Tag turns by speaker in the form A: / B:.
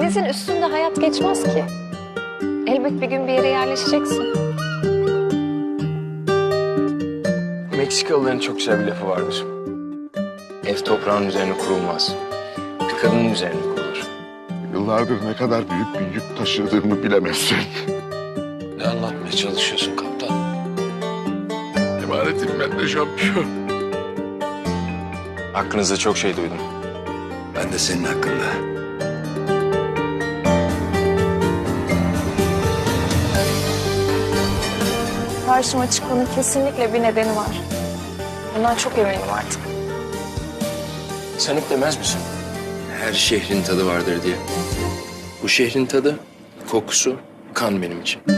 A: Denizin üstünde hayat geçmez ki. Elbet bir gün bir yere yerleşeceksin.
B: Meksikalıların çok güzel bir lafı vardır. Ev toprağın üzerine kurulmaz. Bir kadının üzerine kurulur.
C: Yıllardır ne kadar büyük bir yük taşıdığımı bilemezsin.
B: Ne anlatmaya çalışıyorsun kaptan?
C: Emanetim ben de şampiyon.
B: Hakkınızda çok şey duydum.
D: Ben de senin hakkında.
A: Karşıma çıkmanın kesinlikle bir nedeni var. Bundan çok eminim artık.
B: Sen hep demez misin?
D: Her şehrin tadı vardır diye. Bu şehrin tadı, kokusu, kan benim için.